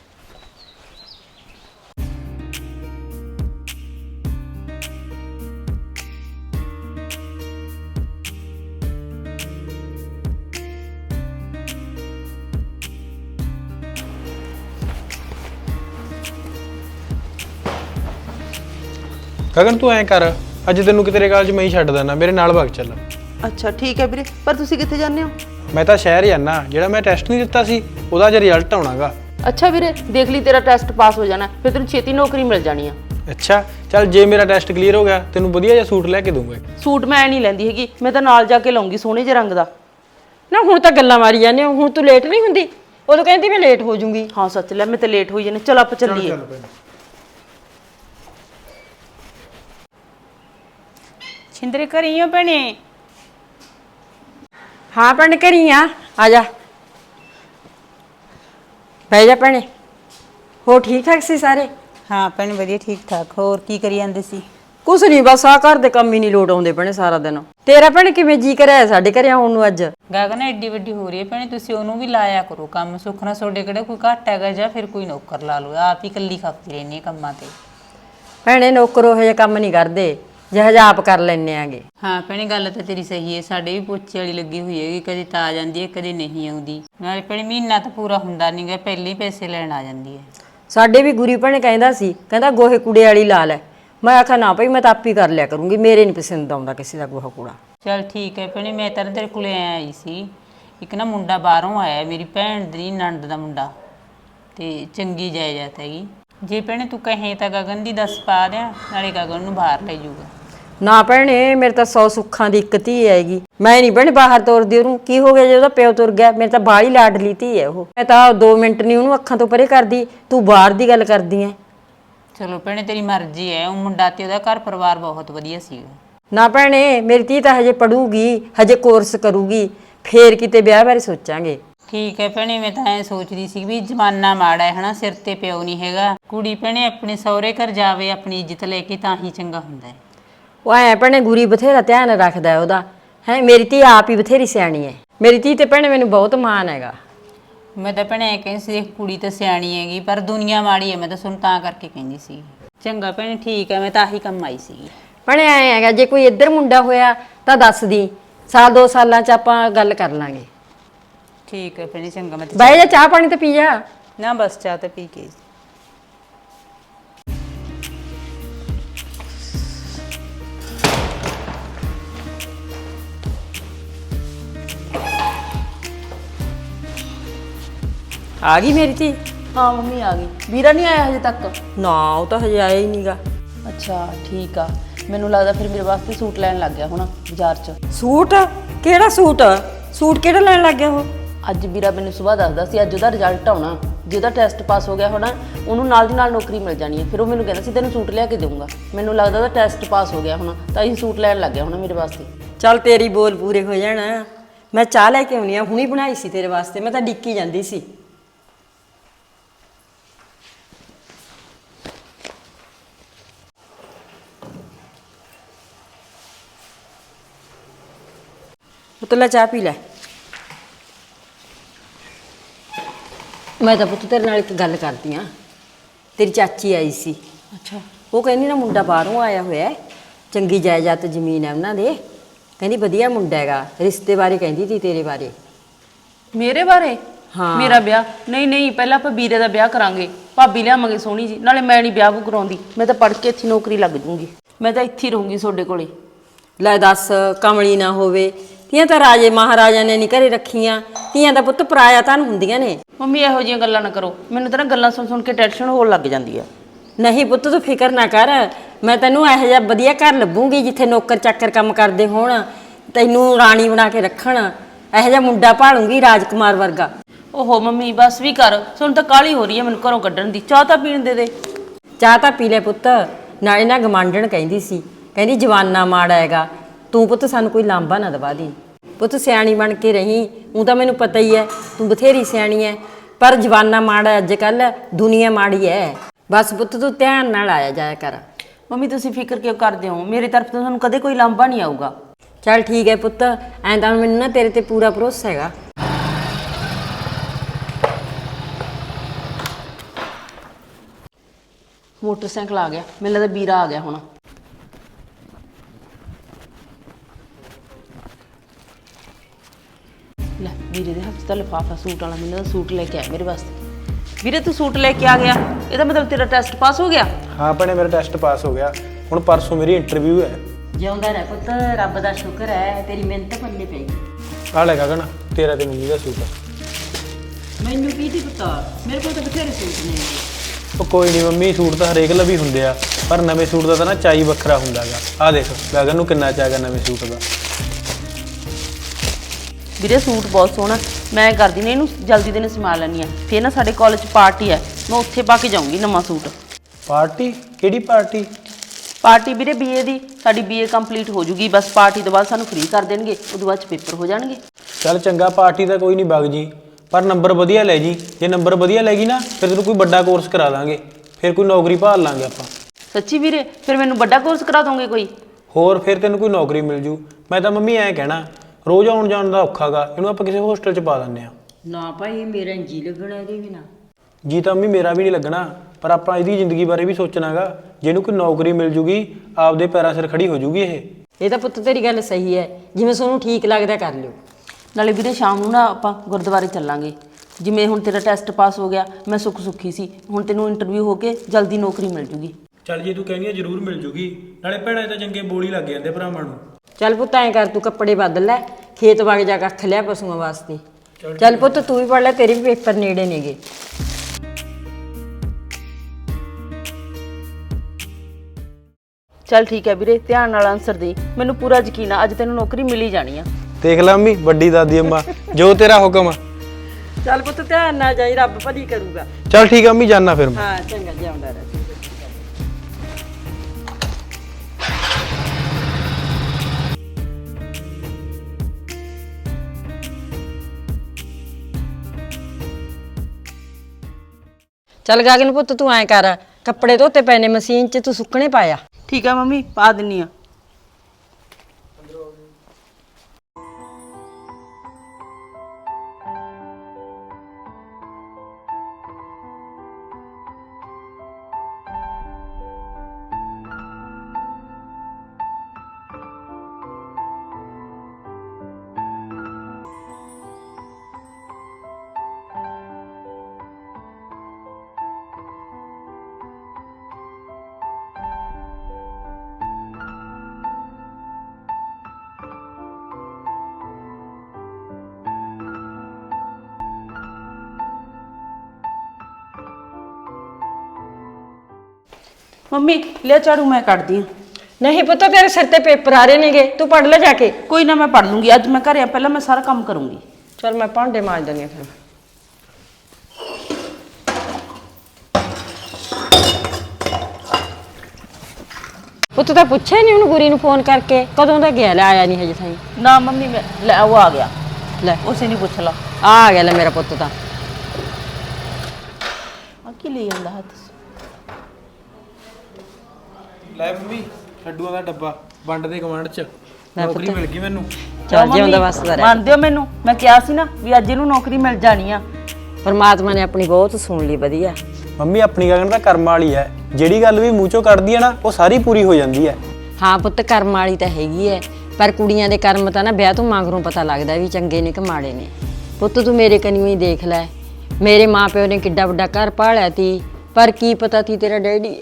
Speaker 5: ਗਗਨ ਤੂੰ ਐਂ ਕਰ, ਅੱਜ ਤੈਨੂੰ ਕਿਤੇ ਕਾਲਜ ਮੈਂ ਹੀ ਛੱਡ ਦੇਣਾ, ਮੇਰੇ ਨਾਲ ਵਗ ਚੱਲ।
Speaker 2: ਅੱਛਾ ਠੀਕ ਹੈ ਵੀਰੇ, ਪਰ ਤੁਸੀਂ ਕਿੱਥੇ ਜਾਂਦੇ ਹੋ?
Speaker 5: ਮੈਂ ਤਾਂ ਸ਼ਹਿਰ ਜਾਣਾ, ਜਿਹੜਾ ਮੈਂ ਟੈਸਟ ਨਹੀਂ ਦਿੱਤਾ ਸੀ ਉਹਦਾ ਅੱਜ ਰਿਜ਼ਲਟ ਆਉਣਾਗਾ।
Speaker 2: ਅੱਛਾ ਵੀਰੇ, ਦੇਖ ਲਈ ਤੇਰਾ ਟੈਸਟ ਪਾਸ ਹੋ ਜਾਣਾ, ਫਿਰ ਤੈਨੂੰ ਛੇਤੀ ਨੌਕਰੀ ਮਿਲ ਜਾਣੀ ਆ।
Speaker 5: ਅੱਛਾ ਚੱਲ, ਜੇ ਮੇਰਾ ਟੈਸਟ ਕਲੀਅਰ ਹੋ ਗਿਆ ਤੈਨੂੰ ਵਧੀਆ ਜਿਹਾ ਸੂਟ ਲੈ ਕੇ ਦੂੰਗਾ।
Speaker 2: ਸੂਟ ਮੈਂ ਨਹੀਂ ਲੈਂਦੀ ਹੈਗੀ, ਮੈਂ ਤਾਂ ਨਾਲ ਜਾ ਕੇ ਲਾਉਂਗੀ ਸੋਹਣੇ ਜਿਹੇ ਰੰਗ ਦਾ।
Speaker 3: ਨਾ ਹੁਣ ਤਾਂ ਗੱਲਾਂ ਮਾਰੀ ਜਾਂਦੇ ਹੋ, ਹੁਣ ਤੂੰ ਲੇਟ ਨਹੀਂ ਹੁੰਦੀ? ਉਦੋਂ ਕਹਿੰਦੀ ਮੈਂ ਲੇਟ ਹੋ ਜਾਊਂਗੀ।
Speaker 2: ਹਾਂ ਸੱਚ, ਲੈ ਮੈਂ ਤਾਂ ਲੇਟ ਹੋਈ ਜਾਣੀ। ਚਲ ਆਪਾਂ ਚੱਲੀਏ।
Speaker 6: ਛਿੰਦਰੇ ਘਰੇ ਹੋ ਭੈਣੇ?
Speaker 3: ਹਾਂ ਭੈਣੇ ਘਰੀ ਆ ਜਾ ਬਹਿ ਜਾ ਭੈਣੇ। ਹੋ ਠੀਕ ਠਾਕ ਸੀ ਸਾਰੇ?
Speaker 6: ਹਾਂ ਭੈਣੇ ਵਧੀਆ ਠੀਕ ਠਾਕ। ਹੋਰ ਕੀ ਕਰੀ ਜਾਂਦੇ ਸੀ?
Speaker 3: ਕੁਛ ਨਹੀਂ, ਬਸ ਆ ਘਰ ਦੇ ਕੰਮ ਹੀ ਨਹੀਂ ਲੋਟ ਆਉਂਦੇ ਭੈਣੇ ਸਾਰਾ ਦਿਨ। ਤੇਰਾ ਭੈਣੇ ਕਿਵੇਂ ਜੀ ਕਰਿਆ ਸਾਡੇ ਘਰੇ ਆਉਣ ਨੂੰ ਅੱਜ?
Speaker 6: ਗਗਨ ਐਡੀ ਵੱਡੀ ਹੋ ਰਹੀ ਹੈ ਭੈਣੇ, ਤੁਸੀਂ ਉਹਨੂੰ ਵੀ ਲਾਇਆ ਕਰੋ ਕੰਮ। ਸੁੱਖ ਨਾਲ ਤੁਹਾਡੇ ਕਿਹੜਾ ਕੋਈ ਘੱਟ ਹੈਗਾ, ਜਾਂ ਫਿਰ ਕੋਈ ਨੌਕਰ ਲਾ ਲਓ। ਆਪ ਹੀ ਇਕੱਲੀ ਖਪਦੀ ਰਹਿੰਦੀ ਕੰਮਾਂ ਤੇ।
Speaker 3: ਭੈਣੇ ਨੌਕਰ ਉਹ ਜਿਹਾ ਕੰਮ ਨਹੀਂ ਕਰਦੇ ਜਿਹੋ ਜਿਹਾ ਆਪ ਕਰ ਲੈਨੇ ਆਗੇ।
Speaker 6: ਹਾਂ ਭੈਣੇ ਗੱਲ ਤਾਂ ਤੇਰੀ ਸਹੀ ਹੈ। ਸਾਡੇ ਵੀ ਪੋਚੇ ਵਾਲੀ ਲੱਗੀ ਹੋਈ ਹੈਗੀ, ਕਦੇ ਤਾਂ ਆ ਜਾਂਦੀ ਹੈ ਕਦੇ ਨਹੀਂ ਆਉਂਦੀ। ਨਾਲੇ ਭੈਣੇ ਮਹੀਨਾ ਤਾਂ ਪੂਰਾ ਹੁੰਦਾ ਨਹੀਂ ਗਾ, ਪਹਿਲੇ ਹੀ ਪੈਸੇ ਲੈਣ ਆ ਜਾਂਦੀ ਹੈ।
Speaker 3: ਸਾਡੇ ਵੀ ਗੁਰੀ ਭੈਣੇ ਕਹਿੰਦਾ ਸੀ, ਕਹਿੰਦਾ ਗੋਹੇ ਕੂੜੇ ਵਾਲੀ ਲਾ ਲੈ। ਮੈਂ ਆਖਿਆ ਨਾ ਭਾਈ, ਮੈਂ ਤਾਂ ਆਪ ਹੀ ਕਰ ਲਿਆ ਕਰੂੰਗੀ, ਮੇਰੇ ਨਹੀਂ ਪਸੰਦ ਆਉਂਦਾ ਕਿਸੇ ਦਾ ਗੋਹਾ ਕੂੜਾ।
Speaker 6: ਚਲ ਠੀਕ ਹੈ ਭੈਣੇ, ਮੈਂ ਤਾਂ ਤੇਰੇ ਕੋਲੇ ਆਈ ਸੀ। ਇੱਕ ਨਾ ਮੁੰਡਾ ਬਾਹਰੋਂ ਆਇਆ, ਮੇਰੀ ਭੈਣ ਦੀ ਨਣਦ ਦਾ ਮੁੰਡਾ, ਤੇ ਚੰਗੀ ਜਾਇਦਾਦ ਹੈਗੀ। ਜੇ ਭੈਣੇ ਤੂੰ ਕਹੇ ਤਾਂ ਗਗਨ ਦੀ 10 ਪਾ ਦਿਆਂ, ਨਾਲੇ ਗਗਨ ਨੂੰ ਬਾਹਰ ਲੈ ਜਾਊਗਾ।
Speaker 3: ਨਾ ਭੈਣੇ, ਮੇਰੇ ਤਾਂ 100 ਸੁੱਖਾਂ ਦੀ ਇੱਕ ਧੀ ਹੈਗੀ। ਮੈਂ ਨਹੀਂ ਭੈਣੇ ਬਾਹਰ ਤੋਰਦੀ ਉਹਨੂੰ। ਕੀ ਹੋ ਗਿਆ ਜੇ ਉਹਦਾ ਪਿਓ ਤੁਰ ਗਿਆ? ਮੇਰੇ ਤਾਂ ਬਾਹਲੀ ਲਾਡਲੀ ਧੀ ਹੈ ਉਹ। ਮੈਂ ਤਾਂ 2 ਮਿੰਟ ਨਹੀਂ ਉਹਨੂੰ ਅੱਖਾਂ ਤੋਂ ਪਰੇ ਕਰਦੀ, ਤੂੰ ਬਾਹਰ ਦੀ ਗੱਲ ਕਰਦੀ ਐ।
Speaker 6: ਚਲੋ ਭੈਣੇ ਤੇਰੀ ਮਰਜ਼ੀ ਹੈ। ਉਹ ਮੁੰਡਾ ਤੇ ਉਹਦਾ ਘਰ ਪਰਿਵਾਰ ਬਹੁਤ ਵਧੀਆ ਸੀਗਾ।
Speaker 3: ਨਾ ਭੈਣੇ, ਮੇਰੀ ਧੀ ਤਾਂ ਹਜੇ ਪੜੂਗੀ, ਹਜੇ ਕੋਰਸ ਕਰੂਗੀ, ਫੇਰ ਕਿਤੇ ਵਿਆਹ ਬਾਰੇ ਸੋਚਾਂਗੇ।
Speaker 6: ਠੀਕ ਹੈ ਭੈਣੇ, ਮੈਂ ਤਾਂ ਐ ਸੋਚਦੀ ਸੀ ਵੀ ਜ਼ਮਾਨਾ ਮਾੜਾ ਹੈ ਹਨਾ, ਸਿਰ ਤੇ ਪਿਓ ਨਹੀਂ ਹੈਗਾ। ਕੁੜੀ ਭੈਣੇ ਆਪਣੇ ਸਹੁਰੇ ਘਰ ਜਾਵੇ ਆਪਣੀ ਇੱਜ਼ਤ ਲੈ ਕੇ, ਤਾਂ ਹੀ ਚੰਗਾ ਹੁੰਦਾ ਹੈ।
Speaker 3: ਉਹ ਐ ਭੈਣੇ ਗੁਰੀ ਬਥੇਰਾ ਧਿਆਨ ਰੱਖਦਾ ਉਹਦਾ ਹੈ। ਮੇਰੀ ਧੀ ਆਪ ਹੀ ਬਥੇਰੀ ਸਿਆਣੀ ਹੈ। ਮੇਰੀ ਧੀ ਤੇ ਭੈਣੇ ਮੈਨੂੰ ਬਹੁਤ ਮਾਣ ਹੈਗਾ।
Speaker 6: ਮੈਂ ਤਾਂ ਭੈਣੇ ਐ ਕਹਿੰਦੀ ਸੀ ਕੁੜੀ ਤਾਂ ਸਿਆਣੀ ਹੈਗੀ, ਪਰ ਦੁਨੀਆ ਮਾੜੀ ਹੈ। ਮੈਂ ਤਾਂ ਸੁਣ ਤਾਂ ਕਰਕੇ ਕਹਿੰਦੀ ਸੀ। ਚੰਗਾ ਭੈਣੇ ਠੀਕ ਹੈ, ਮੈਂ ਤਾਂ ਆਹੀ ਕੰਮ ਆਈ ਸੀ।
Speaker 3: ਭੈਣੇ ਐ ਹੈਗਾ, ਜੇ ਕੋਈ ਇੱਧਰ ਮੁੰਡਾ ਹੋਇਆ ਤਾਂ ਦੱਸ ਦੀ, ਸਾਲ 2 ਸਾਲਾਂ ਚ ਆਪਾਂ ਗੱਲ ਕਰ ਲਾਂਗੇ।
Speaker 6: ਠੀਕ ਹੈ ਭੈਣੇ ਚੰਗਾ। ਮੈਂ
Speaker 3: ਬਹਿ ਜਾ, ਚਾਹ ਪਾਣੀ ਤਾਂ ਪੀ ਜਾ।
Speaker 6: ਨਾ ਬਸ ਚਾਹ ਤਾਂ ਪੀ ਕੇ।
Speaker 3: ਆ ਗਈ ਮੇਰੀ ਧੀ?
Speaker 2: ਹਾਂ ਮੰਮੀ ਆ ਗਈ। ਵੀਰਾ ਨਹੀਂ ਆਇਆ ਹਜੇ ਤੱਕ?
Speaker 3: ਨਾ, ਉਹ ਤਾਂ ਹਜੇ ਆਇਆ ਹੀ ਨਹੀਂਗਾ।
Speaker 2: ਅੱਛਾ ਠੀਕ ਆ। ਮੈਨੂੰ ਲੱਗਦਾ ਫਿਰ ਮੇਰੇ ਵਾਸਤੇ ਸੂਟ ਲੈਣ ਲੱਗ ਗਿਆ ਹੋਣਾ ਬਾਜ਼ਾਰ 'ਚ।
Speaker 3: ਸੂਟ? ਕਿਹੜਾ ਸੂਟ? ਸੂਟ ਕਿਹੜਾ ਲੈਣ ਲੱਗ ਗਿਆ ਉਹ?
Speaker 2: ਅੱਜ ਵੀਰਾ ਮੈਨੂੰ ਸਵੇਰ ਦੱਸਦਾ ਸੀ ਅੱਜ ਉਹਦਾ ਰਿਜ਼ਲਟ ਆਉਣਾ। ਜੇ ਉਹਦਾ ਟੈਸਟ ਪਾਸ ਹੋ ਗਿਆ ਹੋਣਾ, ਉਹਨੂੰ ਨਾਲ ਦੀ ਨਾਲ ਨੌਕਰੀ ਮਿਲ ਜਾਣੀ ਹੈ। ਫਿਰ ਉਹ ਮੈਨੂੰ ਕਹਿੰਦਾ ਸੀ ਤੈਨੂੰ ਸੂਟ ਲਿਆ ਕੇ ਦੇਵਾਂਗਾ। ਮੈਨੂੰ ਲੱਗਦਾ ਉਹਦਾ ਟੈਸਟ ਪਾਸ ਹੋ ਗਿਆ ਹੋਣਾ, ਤਾਂ ਇਹ ਸੂਟ ਲੈਣ ਲੱਗ ਗਿਆ ਹੋਣਾ ਮੇਰੇ ਵਾਸਤੇ।
Speaker 3: ਚੱਲ ਤੇਰੀ ਬੋਲ ਪੂਰੇ ਹੋ ਜਾਣਾ। ਮੈਂ ਚਾਹ ਲੈ ਕੇ ਆਉਣੀ ਆ, ਹੁਣੀ ਬਣਾਈ ਸੀ ਤੇਰੇ ਵਾਸਤੇ। ਮੈਂ ਤਾਂ ਡਿੱਕੀ ਜਾਂਦੀ ਸੀ। ਪੁੱਤ ਲੈ ਚਾਹ ਪੀ ਲੈ। ਮੈਂ ਤਾਂ ਪੁੱਤ ਤੇਰੇ ਨਾਲ ਇੱਕ ਗੱਲ ਕਰਦੀ ਆ। ਤੇਰੀ ਚਾਚੀ ਆਈ ਸੀ।
Speaker 2: ਅੱਛਾ।
Speaker 3: ਉਹ ਕਹਿੰਦੀ ਨਾ ਮੁੰਡਾ ਬਾਹਰੋਂ ਆਇਆ ਹੋਇਆ ਹੈ, ਚੰਗੀ ਜਾਇਦਾਦ ਜ਼ਮੀਨ ਹੈ ਉਹਨਾਂ ਦੇ, ਕਹਿੰਦੀ ਵਧੀਆ ਮੁੰਡਾ ਹੈਗਾ। ਰਿਸ਼ਤੇ ਬਾਰੇ ਕਹਿੰਦੀ ਸੀ, ਤੇਰੇ ਬਾਰੇ।
Speaker 2: ਮੇਰੇ ਬਾਰੇ?
Speaker 3: ਹਾਂ।
Speaker 2: ਮੇਰਾ ਵਿਆਹ? ਨਹੀਂ ਨਹੀਂ, ਪਹਿਲਾਂ ਆਪਾਂ ਵੀਰੇ ਦਾ ਵਿਆਹ ਕਰਾਂਗੇ। ਭਾਬੀ ਲਿਆਵਾਂਗੇ ਸੋਹਣੀ ਜੀ, ਨਾਲੇ ਮੈਂ ਨਹੀਂ ਵਿਆਹ ਵੀ ਕਰਾਉਂਦੀ। ਮੈਂ ਤਾਂ ਪੜ੍ਹ ਕੇ ਇੱਥੇ ਨੌਕਰੀ ਲੱਗ ਜੂੰਗੀ। ਮੈਂ ਤਾਂ ਇੱਥੇ ਹੀ ਰਹੂੰਗੀ ਤੁਹਾਡੇ ਕੋਲੇ।
Speaker 3: ਲੈ ਦੱਸ, ਕਮਲੀ ਨਾ ਹੋਵੇ। ਧੀਆਂ ਤਾਂ ਰਾਜੇ ਮਹਾਰਾਜਾ ਨੇ ਨਹੀਂ ਘਰੇ ਰੱਖੀਆਂ। ਧੀਆਂ ਦਾ ਪੁੱਤ ਪਰਾਇਆ ਤਾਂ ਹੁੰਦੀਆਂ ਨੇ।
Speaker 2: ਮੰਮੀ ਇਹੋ ਜਿਹੀਆਂ ਗੱਲਾਂ ਨਾ ਕਰੋ, ਮੈਨੂੰ ਤਾਂ ਨਾ ਗੱਲਾਂ ਸੁਣ ਸੁਣ ਕੇ ਟੈਨਸ਼ਨ ਹੋਣ ਲੱਗ ਜਾਂਦੀ ਆ।
Speaker 3: ਨਹੀਂ ਪੁੱਤ, ਤੂੰ ਫਿਕਰ ਨਾ ਕਰ। ਮੈਂ ਤੈਨੂੰ ਇਹੋ ਜਿਹਾ ਵਧੀਆ ਘਰ ਲੱਭੂੰਗੀ ਜਿੱਥੇ ਨੌਕਰ ਚਾਕਰ ਕੰਮ ਕਰਦੇ ਹੋਣ, ਤੈਨੂੰ ਰਾਣੀ ਬਣਾ ਕੇ ਰੱਖਣ। ਇਹੋ ਜਿਹਾ ਮੁੰਡਾ ਭਾਲੂੰਗੀ ਰਾਜਕੁਮਾਰ ਵਰਗਾ।
Speaker 2: ਓਹੋ ਮੰਮੀ ਬਸ ਵੀ ਕਰ, ਸੁਣ ਤਾਂ ਕਾਹਲੀ ਹੋ ਰਹੀ ਹੈ ਮੈਨੂੰ ਘਰੋਂ ਕੱਢਣ ਦੀ। ਚਾਹ ਤਾਂ ਪੀਣ ਦੇ ਦੇ।
Speaker 3: ਚਾਹ ਤਾਂ ਪੀ ਲੈ ਪੁੱਤ। ਨਾਲੇ ਨਾ ਗਮਾਂਡਣ ਕਹਿੰਦੀ ਸੀ, ਕਹਿੰਦੀ ਜਵਾਨਾ ਮਾੜਾ ਹੈਗਾ, ਤੂੰ ਪੁੱਤ ਸਾਨੂੰ ਕੋਈ ਲਾਂਭਾ ਨਾ ਦਵਾ ਦੀ। ਪੁੱਤ ਸਿਆਣੀ ਬਣ ਕੇ ਰਹੀ। ਉਹ ਤਾਂ ਮੈਨੂੰ ਪਤਾ ਹੀ ਹੈ ਤੂੰ ਬਥੇਰੀ ਸਿਆਣੀ ਹੈ, ਪਰ ਜਵਾਨਾ ਮਾੜਾ ਅੱਜ ਕੱਲ੍ਹ, ਦੁਨੀਆ ਮਾੜੀ ਹੈ। ਬਸ ਪੁੱਤ ਤੂੰ ਧਿਆਨ ਨਾਲ ਆਇਆ ਜਾਇਆ ਕਰ।
Speaker 2: ਮੰਮੀ ਤੁਸੀਂ ਫਿਕਰ ਕਿਉਂ ਕਰਦੇ ਹੋ? ਮੇਰੀ ਤਰਫ ਤੋਂ ਤੁਹਾਨੂੰ ਕਦੇ ਕੋਈ ਲਾਂਭਾ ਨਹੀਂ ਆਊਗਾ।
Speaker 3: ਚੱਲ ਠੀਕ ਹੈ ਪੁੱਤ, ਐਂ ਤਾਂ ਮੈਨੂੰ ਨਾ ਤੇਰੇ ਤੇ ਪੂਰਾ ਭਰੋਸਾ ਹੈਗਾ।
Speaker 2: ਮੋਟਰਸਾਈਕਲ ਆ ਗਿਆ, ਮੈਨੂੰ ਲੱਗਦਾ ਵੀਰਾ ਆ ਗਿਆ ਹੁਣ। ਲੈ ਵੀਰੇ ਦੇ ਹੱਥ 'ਚ ਤਾਂ ਲਿਫਾਫਾ ਸੂਟ ਵਾਲਾ, ਮੈਨੂੰ ਲੱਗਦਾ ਸੂਟ ਲੈ ਕੇ ਆਇਆ ਮੇਰੇ ਵਾਸਤੇ। ਵੀਰੇ ਤੂੰ ਸੂਟ ਲੈ ਕੇ ਆ ਗਿਆ, ਇਹਦਾ ਮਤਲਬ ਤੇਰਾ ਟੈਸਟ ਪਾਸ ਹੋ ਗਿਆ?
Speaker 5: ਹਾਂ ਭੈਣੇ, ਮੇਰਾ ਟੈਸਟ ਪਾਸ ਹੋ ਗਿਆ। ਹੁਣ ਪਰਸੋਂ ਮੇਰੀ ਇੰਟਰਵਿਊ ਹੈ।
Speaker 3: ਜਿਉਂਦਾ ਰਹਿ ਪੁੱਤ, ਰੱਬ ਦਾ ਸ਼ੁਕਰ ਹੈ ਤੇਰੀ ਮਿਹਨਤ ਪੱਲੇ ਪਈ।
Speaker 5: ਆ ਲੈ ਗਗਨ, ਤੇਰਾ ਤੇ ਮੰਮੀ ਦਾ ਸੂਟ।
Speaker 3: ਮੈਨੂੰ ਕੀ ਤੀ ਪਤਾ, ਮੇਰੇ ਕੋਲ ਤਾਂ ਬਥੇਰੇ ਸੂਟ ਨੇ।
Speaker 5: ਉਹ ਕੋਈ ਨਹੀਂ ਮੰਮੀ, ਸੂਟ ਤਾਂ ਹਰੇਕ ਲਈ ਹੁੰਦੇ ਆ, ਪਰ ਨਵੇਂ ਸੂਟ ਦਾ ਤਾਂ ਨਾ ਚਾਈ ਵੱਖਰਾ ਹੁੰਦਾ ਗਾ। ਆ ਦੇਖ ਗਗਨ ਨੂੰ ਕਿੰਨਾ ਚਾਅ ਗਾ ਨਵੇਂ ਸੂਟ ਦਾ।
Speaker 2: ਵੀਰੇ ਸੂਟ ਬਹੁਤ ਸੋਹਣਾ, ਮੈਂ ਕਰਦੀ ਨੇ ਇਹਨੂੰ ਜਲਦੀ ਦੇ ਨਾਲ ਸਮਾ ਲੈਣੀ ਆ। ਫਿਰ ਨਾ ਸਾਡੇ ਕਾਲਜ 'ਚ ਪਾਰਟੀ ਹੈ, ਮੈਂ ਉੱਥੇ ਪਾ ਕੇ ਜਾਊਂਗੀ ਨਵਾਂ ਸੂਟ।
Speaker 5: ਪਾਰਟੀ? ਕਿਹੜੀ ਪਾਰਟੀ?
Speaker 2: ਪਾਰਟੀ ਵੀਰੇ ਬੀਏ ਦੀ ਸਾਡੀ ਬੀਏ ਕੰਪਲੀਟ ਹੋ ਜੂਗੀ, ਬਸ ਪਾਰਟੀ ਤੋਂ ਬਾਅਦ ਸਾਨੂੰ ਫ੍ਰੀ ਕਰ ਦੇਣਗੇ, ਉਦੋਂ ਬਾਅਦ ਚ ਪੇਪਰ ਹੋ ਜਾਣਗੇ।
Speaker 5: ਚੱਲ ਚੰਗਾ, ਪਾਰਟੀ ਤਾਂ ਕੋਈ ਨਹੀਂ ਵਗ ਜੀ, ਪਰ ਨੰਬਰ ਵਧੀਆ ਲੈ ਜੀ। ਜੇ ਨੰਬਰ ਵਧੀਆ ਲੈ ਗਈ ਨਾ ਫਿਰ ਤੈਨੂੰ ਕੋਈ ਵੱਡਾ ਕੋਰਸ ਕਰਾ ਦਾਂਗੇ, ਫਿਰ ਕੋਈ ਨੌਕਰੀ ਭਾਲ ਲਾਂਗੇ ਆਪਾਂ।
Speaker 2: ਸੱਚੀ ਵੀਰੇ? ਫਿਰ ਮੈਨੂੰ ਵੱਡਾ ਕੋਰਸ ਕਰਾ ਦੋਗੇ ਕੋਈ?
Speaker 5: ਹੋਰ ਫਿਰ ਤੈਨੂੰ ਕੋਈ ਨੌਕਰੀ ਮਿਲ ਜੂ। ਮੈਂ ਤਾਂ ਮੰਮੀ ਐਂ ਕਹਿਣਾ, ਰੋਜ਼ ਆਉਣ ਜਾਣ ਦਾ ਔਖਾ ਗਾ, ਇਹਨੂੰ ਆਪਾਂ ਕਿਸੇ ਹੋਸਟਲ 'ਚ ਪਾ ਦਿੰਦੇ ਆ।
Speaker 3: ਨਾ ਭਾਈ ਮੇਰਾ ਜੀ ਲੱਗਣਾ ਇਹਦੇ ਬਿਨਾ।
Speaker 5: ਜੀ ਤਾਂ ਮੰਮੀ ਮੇਰਾ ਵੀ ਨਹੀਂ ਲੱਗਣਾ, ਪਰ ਆਪਾਂ ਇਹਦੀ ਜ਼ਿੰਦਗੀ ਬਾਰੇ ਵੀ ਸੋਚਣਾਗਾ। ਜੇ ਇਹਨੂੰ ਕੋਈ ਨੌਕਰੀ ਮਿਲ ਜੂਗੀ ਆਪਦੇ ਪੈਰਾਂ ਸਿਰ ਖੜੀ ਹੋ ਜੂਗੀ ਇਹ
Speaker 3: ਤਾਂ ਪੁੱਤ ਤੇਰੀ ਗੱਲ ਸਹੀ ਹੈ, ਜਿਵੇਂ ਤੁਹਾਨੂੰ ਠੀਕ ਲੱਗਦਾ ਕਰ ਲਿਓ।
Speaker 2: ਨਾਲੇ ਵੀਰੇ ਸ਼ਾਮ ਨੂੰ ਨਾ ਆਪਾਂ ਗੁਰਦੁਆਰੇ ਚੱਲਾਂਗੇ। ਜਿਵੇਂ ਹੁਣ ਤੇਰਾ ਟੈਸਟ ਪਾਸ ਹੋ ਗਿਆ, ਮੈਂ ਸੁੱਖੀ ਸੀ, ਹੁਣ ਤੈਨੂੰ ਇੰਟਰਵਿਊ ਹੋ ਕੇ ਜਲਦੀ ਨੌਕਰੀ ਮਿਲ ਜੂਗੀ।
Speaker 5: ਚੱਲ ਜੇ ਤੂੰ ਕਹਿੰਦੀ ਆ ਜ਼ਰੂਰ ਮਿਲ ਜੂਗੀ, ਨਾਲੇ ਭੈਣਾਂ ਤਾਂ ਚੰਗੇ ਬੋਲ ਹੀ ਲੱਗ ਜਾਂਦੇ ਭਰਾਵਾਂ ਨੂੰ।
Speaker 3: ਚੱਲ ਪੁੱਤ ਐਂ ਕਰ, ਤੂੰ ਕੱਪੜੇ ਬਦਲ ਲੈ, ਖੇਤ ਵਗ ਜਾ ਕੱਖ ਲਿਆ ਪਸ਼ੂਆਂ ਵਾਸਤੇ। ਚੱਲ ਪੁੱਤ ਤੂੰ ਵੀ ਪੜ ਲੈ, ਤੇਰੇ ਵੀ ਪੇਪਰ ਨੇੜੇ ਨੇਗੇ।
Speaker 2: ਚੱਲ ਠੀਕ ਹੈ ਵੀਰੇ, ਧਿਆਨ ਨਾਲ ਆਨਸਰ ਦੇ, ਮੈਨੂੰ ਪੂਰਾ ਯਕੀਨ ਆ ਅੱਜ ਤੈਨੂੰ ਨੌਕਰੀ ਮਿਲ ਹੀ ਜਾਣੀ ਆ।
Speaker 5: ਦੇਖ ਲੈ ਮੰਮੀ, ਵੱਡੀ ਦਾਦੀ ਅੰਮਾ, ਜੋ ਤੇਰਾ ਹੁਕਮ ਆ।
Speaker 3: ਚੱਲ ਪੁੱਤ ਧਿਆਨ ਨਾਲ ਜਾਈ, ਰੱਬ ਭਲੀ ਕਰੂਗਾ।
Speaker 5: ਚੱਲ ਠੀਕ ਆ ਮੰਮੀ, ਜਾਨਾ ਫਿਰ ਮੈਂ।
Speaker 3: ਹਾਂ ਚੰਗਾ, ਜਿਉਂਦਾ ਰਹਿ। ਚੱਲ ਗਗਨ ਪੁੱਤ ਤੂੰ ਐਂ ਕਰ, ਕੱਪੜੇ ਧੋਤੇ ਪਏ ਨੇ ਮਸ਼ੀਨ 'ਚ, ਤੂੰ ਸੁੱਕਣੇ ਪਾਇਆ।
Speaker 2: ਠੀਕ ਆ ਮੰਮੀ, ਪਾ ਦਿੰਨੀ ਆ। ਮੰਮੀ ਲੈ ਝਾੜੂ, ਮੈਂ ਕੱਢਦੀ ਆ।
Speaker 3: ਨਹੀਂ ਪੁੱਤ ਤੇਰੇ ਸਿਰ ਤੇ ਪੇਪਰ ਆ ਰਹੇ ਨੇਗੇ, ਤੂੰ ਪੜ ਲੈ ਜਾ ਕੇ।
Speaker 2: ਕੋਈ ਨਾ, ਮੈਂ ਪੜ ਲੂੰਗੀ, ਅੱਜ ਮੈਂ ਘਰੇ ਆ, ਪਹਿਲਾਂ ਮੈਂ ਸਾਰਾ ਕੰਮ ਕਰੂੰਗੀ।
Speaker 3: ਚੱਲ ਮੈਂ ਭਾਂਡੇ ਮਾਂਜ ਦਿੰਦੀ ਆ ਫਿਰ। ਪੁੱਤ ਤਾਂ ਪੁੱਛਿਆ ਨਹੀਂ ਉਹਨੂੰ, ਗੁਰੀ ਨੂੰ ਫੋਨ ਕਰਕੇ, ਕਦੋਂ ਦਾ ਗਿਆ? ਲੈ ਆਇਆ ਨਹੀਂ ਹਜੇ ਤਾਈਂ।
Speaker 2: ਨਾ ਮੰਮੀ, ਮੈਂ ਲੈ ਉਹ ਆ ਗਿਆ,
Speaker 3: ਲੈ
Speaker 2: ਉਸੇ ਨਹੀਂ ਪੁੱਛ ਲਾ।
Speaker 3: ਆ ਗਿਆ ਲੈ ਮੇਰਾ ਪੁੱਤ ਤਾਂ।
Speaker 2: ਆ ਕੀ ਲਈ ਜਾਂਦਾ ਹੱਥ?
Speaker 5: ਲੈ ਮੰਮੀ, ਲੱਡੂਆਂ ਦਾ ਡੱਬਾ ਵੰਡ ਦੇ ਕਮਾਂਡ 'ਚ, ਨੌਕਰੀ ਮਿਲ ਗਈ ਮੈਨੂੰ।
Speaker 3: ਚੱਲ ਜਿਉਂਦਾ ਵਸਦਾ ਰਹਿ।
Speaker 2: ਮੰਨਦੇ ਹੋ ਮੈਨੂੰ? ਮੈਂ ਕਿਹਾ ਸੀ ਨਾ ਵੀ ਅੱਜ ਇਹਨੂੰ ਨੌਕਰੀ ਮਿਲ ਜਾਣੀ ਆ।
Speaker 3: ਪਰਮਾਤਮਾ ਨੇ ਆਪਣੀ ਬਹੁਤ ਸੁਣ ਲਈ, ਵਧੀਆ।
Speaker 5: ਮੰਮੀ ਆਪਣੀ ਗਗਨ ਤਾਂ ਕਰਮ ਵਾਲੀ ਹੈ, ਜਿਹੜੀ ਗੱਲ ਵੀ ਮੂੰਹ ਚੋਂ ਕੱਢਦੀ ਹੈ ਨਾ ਉਹ ਸਾਰੀ ਪੂਰੀ ਹੋ ਜਾਂਦੀ ਹੈ।
Speaker 3: ਹਾਂ ਪੁੱਤ ਕਰਮ ਵਾਲੀ ਤਾਂ ਹੈਗੀ ਐ, ਪਰ ਕੁੜੀਆਂ ਦੇ ਕਰਮ ਤਾਂ ਨਾ ਵਿਆਹ ਤੋਂ ਮਗਰੋਂ ਪਤਾ ਲੱਗਦਾ ਵੀ ਚੰਗੇ ਨੇ ਕਿ ਮਾੜੇ ਨੇ। ਪੁੱਤ ਤੂੰ ਮੇਰੇ ਕਨੀਓ ਹੀ ਦੇਖ ਲੈ, ਮੇਰੇ ਮਾਪਿਓ ਨੇ ਕਿੱਡਾ ਵੱਡਾ ਘਰ ਪਾਲਿਆ ਤੀ, ਪਰ ਕੀ ਪਤਾ ਤੀ ਤੇਰਾ ਡੈਡੀ।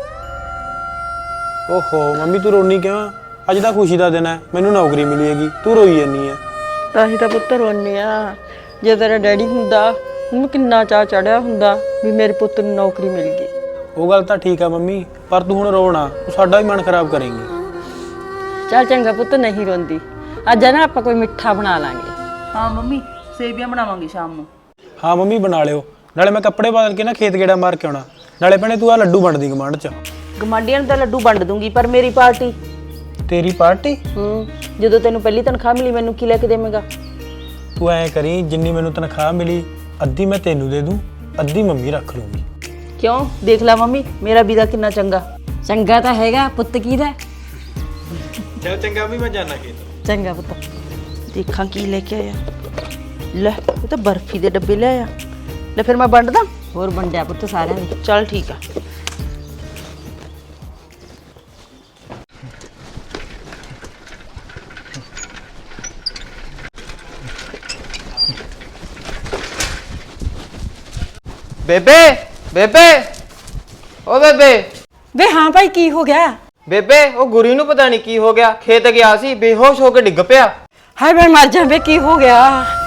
Speaker 5: ਓਹੋ ਮੰਮੀ, ਤੂੰ ਰੋਣੀ ਕਿਉਂ? ਅੱਜ ਤਾਂ ਖੁਸ਼ੀ ਦਾ ਦਿਨ ਹੈ, ਮੈਨੂੰ ਨੌਕਰੀ ਮਿਲੀ ਹੈਗੀ, ਤੂੰ ਰੋਈ ਜਾਂਦੀ ਹੈ।
Speaker 3: ਤਾਂ ਹੀ ਤਾਂ ਪੁੱਤ ਰੋਨੇ ਆ, ਜੇ ਤੇਰਾ ਡੈਡੀ ਹੁੰਦਾ ਉਹਨੂੰ ਕਿੰਨਾ ਚਾਅ ਚੜਿਆ ਹੁੰਦਾ ਵੀ ਮੇਰੇ ਪੁੱਤ ਨੂੰ ਨੌਕਰੀ ਮਿਲ ਗਈ।
Speaker 5: ਉਹ ਗੱਲ ਤਾਂ ਠੀਕ ਆ ਮੰਮੀ, ਪਰ ਤੂੰ ਹੁਣ ਰੋਣਾ, ਤੂੰ ਸਾਡਾ ਵੀ ਮਨ ਖਰਾਬ ਕਰੇਂਗੀ।
Speaker 3: ਚੱਲ ਚੰਗਾ ਪੁੱਤ, ਨਹੀਂ ਰੋਂਦੀ। ਅੱਜ ਨਾ ਆਪਾਂ ਕੋਈ ਮਿੱਠਾ ਬਣਾ ਲਾਂਗੇ।
Speaker 2: ਹਾਂ ਮੰਮੀ, ਸੇਵੀਆਂ ਬਣਾਵਾਂਗੀ ਸ਼ਾਮ ਨੂੰ।
Speaker 5: ਹਾਂ ਮੰਮੀ ਬਣਾ ਲਿਓ, ਨਾਲੇ ਮੈਂ ਕੱਪੜੇ ਬਦਲ ਕੇ ਨਾ ਖੇਤ ਗੇੜਾ ਮਾਰ ਕੇ ਆਉਣਾ। ਨਾਲੇ ਭੈਣੇ ਤੂੰ ਆ ਲੱਡੂ ਵੰਡਦੀ ਕਮਾਂਡ 'ਚ।
Speaker 2: ਗਮਾਂਡੀਆਂ ਨੂੰ ਤਾਂ ਲੱਡੂ ਵੰਡ ਦੂੰਗੀ, ਪਰ ਮੇਰੀ ਪਾਰਟੀ?
Speaker 5: ਤੇਰੀ ਪਾਰਟੀ?
Speaker 2: ਜਦੋਂ ਤੈਨੂੰ ਪਹਿਲੀ ਤਨਖਾਹ ਮਿਲੀ ਮੈਨੂੰ ਕੀ ਲੈ ਕੇ ਦੇਵੇਂਗਾ?
Speaker 5: ਤੂੰ ਐਂ ਕਰੀ, ਜਿੰਨੀ ਮੈਨੂੰ ਤਨਖਾਹ ਮਿਲੀ ਅੱਧੀ ਮੈਂ ਤੈਨੂੰ ਦੇ ਦੂੰ, ਅੱਧੀ ਮੰਮੀ ਰੱਖ ਲੂੰਗੀ।
Speaker 2: ਕਿਉਂ? ਦੇਖ ਲੈ ਮੰਮੀ, ਮੇਰਾ ਵੀਰਾ ਕਿੰਨਾ ਚੰਗਾ।
Speaker 3: ਚੰਗਾ ਤਾਂ ਹੈਗਾ, ਪੁੱਤ ਕਿਹਦਾ?
Speaker 5: ਚੱਲ ਚੰਗਾ ਵੀ, ਮੈਂ ਜਾਣਾ ਖੇਤ।
Speaker 3: ਚੰਗਾ ਪੁੱਤ।
Speaker 2: ਦੇਖਾਂ ਕੀ ਲੈ ਕੇ ਆਇਆ। ਲੈ ਇਹ ਤਾਂ ਬਰਫੀ ਦੇ ਡੱਬੇ ਲੈ ਆਇਆ। ਲੈ ਫਿਰ ਮੈਂ ਵੰਡਦਾ।
Speaker 3: ਹੋਰ ਵੰਡਿਆ ਪੁੱਤ ਸਾਰਿਆਂ ਦੇ।
Speaker 2: ਚੱਲ ਠੀਕ ਆ।
Speaker 7: ਬੇਬੇ ਬੇਬੇ ਓ ਬੇਬੇ
Speaker 3: ਵੇ ਹਾਂ ਭਾਈ, ਕੀ ਹੋ ਗਿਆ?
Speaker 7: ਬੇਬੇ ਉਹ ਗੁਰੀ ਨੂੰ ਪਤਾ ਨਹੀਂ ਕੀ ਹੋ ਗਿਆ, ਖੇਤ ਗਿਆ ਸੀ, ਬੇਹੋਸ਼ ਹੋ ਕੇ ਡਿੱਗ ਪਿਆ।
Speaker 3: ਹਾਏ ਮੈਂ ਮਰ ਜਾ, ਵੇ ਕੀ ਹੋ ਗਿਆ?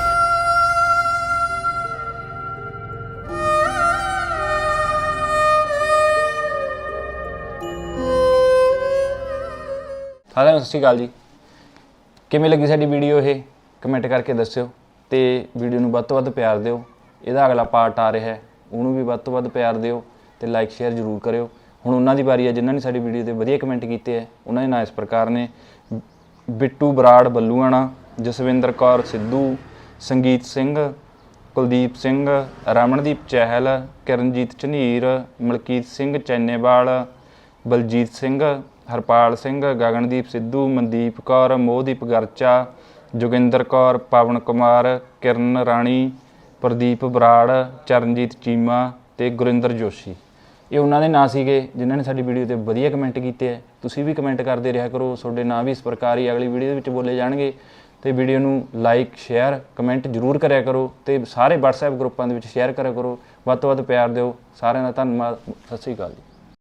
Speaker 1: ਸਾਰਿਆਂ ਨੂੰ ਸਤਿ ਸ਼੍ਰੀ ਅਕਾਲ ਜੀ। ਕਿਵੇਂ ਲੱਗੀ ਸਾਡੀ ਵੀਡੀਓ ਇਹ ਕਮੈਂਟ ਕਰਕੇ ਦੱਸਿਓ, ਤੇ ਵੀਡੀਓ ਨੂੰ ਵੱਧ ਤੋਂ ਵੱਧ ਪਿਆਰ ਦਿਓ। ਇਹਦਾ ਅਗਲਾ ਪਾਰਟ ਆ ਰਿਹਾ ਹੈ, ਉਹਨੂੰ ਵੀ ਵੱਧ ਤੋਂ ਵੱਧ ਪਿਆਰ ਦਿਓ, ਤੇ ਲਾਈਕ ਸ਼ੇਅਰ ਜ਼ਰੂਰ ਕਰਿਓ। ਹੁਣ ਉਹਨਾਂ ਦੀ ਵਾਰੀ ਹੈ ਜਿਨ੍ਹਾਂ ਨੇ ਸਾਡੀ ਵੀਡੀਓ ਤੇ ਵਧੀਆ ਕਮੈਂਟ ਕੀਤੇ ਹੈ। ਉਹਨਾਂ ਦੇ ਨਾਂ ਇਸ ਪ੍ਰਕਾਰ ਨੇ: ਬਿੱਟੂ ਬਰਾੜ ਬੱਲੂਆਣਾ, ਜਸਵਿੰਦਰ ਕੌਰ ਸਿੱਧੂ, ਸੰਗੀਤ ਸਿੰਘ, ਕੁਲਦੀਪ ਸਿੰਘ, ਰਮਨਦੀਪ ਚਹਿਲ, ਕਿਰਨਜੀਤ ਝਨੀਰ, ਮਲਕੀਤ ਸਿੰਘ ਚੈਨੇਵਾਲ, ਬਲਜੀਤ ਸਿੰਘ, ਹਰਪਾਲ ਸਿੰਘ, ਗਗਨਦੀਪ ਸਿੱਧੂ, ਮਨਦੀਪ ਕੌਰ, ਮੋਹਦੀਪ ਗਰਚਾ, ਜੋਗਿੰਦਰ ਕੌਰ, ਪਵਨ ਕੁਮਾਰ, ਕਿਰਨ ਰਾਣੀ, ਪ੍ਰਦੀਪ ਬਰਾੜ, ਚਰਨਜੀਤ ਚੀਮਾ ਤੇ ਗੁਰਿੰਦਰ ਜੋਸ਼ੀ। ਇਹ ਉਹਨਾਂ ਦੇ ਨਾਂ ਸੀਗੇ ਜਿਨ੍ਹਾਂ ਨੇ ਸਾਡੀ ਵੀਡੀਓ ਤੇ ਵਧੀਆ ਕਮੈਂਟ ਕੀਤੇ ਹੈ। ਤੁਸੀਂ ਵੀ ਕਮੈਂਟ ਕਰਦੇ ਰਿਹਾ ਕਰੋ, ਤੁਹਾਡੇ ਨਾਂ ਵੀ ਇਸ ਪ੍ਰਕਾਰ ਹੀ ਅਗਲੀ ਵੀਡੀਓ ਦੇ ਵਿੱਚ ਬੋਲੇ ਜਾਣਗੇ। ਤੇ ਵੀਡੀਓ ਨੂੰ ਲਾਈਕ, ਸ਼ੇਅਰ, ਕਮੈਂਟ ਜ਼ਰੂਰ ਕਰਿਆ ਕਰੋ ਤੇ ਸਾਰੇ WhatsApp ਗਰੁੱਪਾਂ ਦੇ ਵਿੱਚ ਸ਼ੇਅਰ ਕਰਿਆ ਕਰੋ। ਵੱਧ ਤੋਂ ਵੱਧ ਪਿਆਰ ਦਿਓ। ਸਾਰਿਆਂ ਦਾ ਧੰਨਵਾਦ। ਸਤਿ ਸ਼੍ਰੀ ਅਕਾਲ ਜੀ।